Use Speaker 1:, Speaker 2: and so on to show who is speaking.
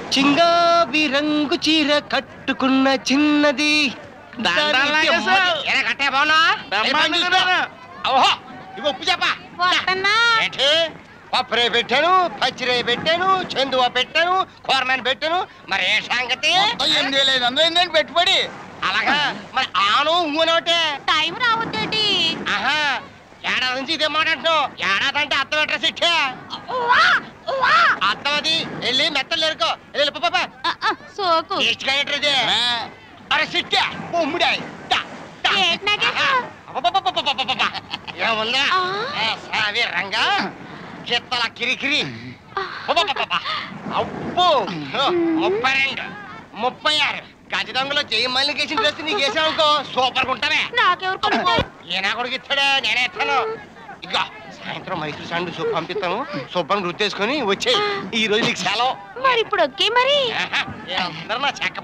Speaker 1: చింగావి రంగు చీర కట్టుకున్న చిన్నది
Speaker 2: కట్టే బాగున్నా ఓహో ఇవి ఉప్పు చెప్పా పప్పురే పెట్టాను పచ్చిరే పెట్టాను చందువా పెట్టాను కూరమని పెట్టాను మరి ఏ సంగతి
Speaker 3: 8,500 పెట్టుబడి
Speaker 2: అలాగా మరి ఆను ఊనోటే
Speaker 4: టైం రావద్దేటి
Speaker 2: ఆహా ఏడాది నుంచి ఇదే మాట అంటున్నావు ఏడాది అంటే అర్థం ఎట్రా సిట్టే అర్థం అది వెళ్ళి మెత్తలు ఎరుకో వెళ్ళి పాపా
Speaker 4: సోకు
Speaker 2: ఇష్టది అరే సిట్టే బొమ్మిడాయి ఏముందా సావి రంగా గిత్తల కిరికిరి అబ్బో 32 36 గది దొంగలో చెయ్యి మళ్ళీ కేసిన డ్రెస్ నీకు వేసావుకో సూపర్ గా ఉంటావే ఈయన కొడుకు ఇస్తాడా నేనే ఇస్తాను ఇక సాయంత్రం మైసూర్ శాండ్ సూప్ పంపిస్తాను శుభ్రం గుర్తేసుకొని వచ్చేయి ఈ రోజు నీకు సెలవు
Speaker 4: మరి ఇప్పుడు ఓకే మరి
Speaker 2: అందరూ నా చెక్క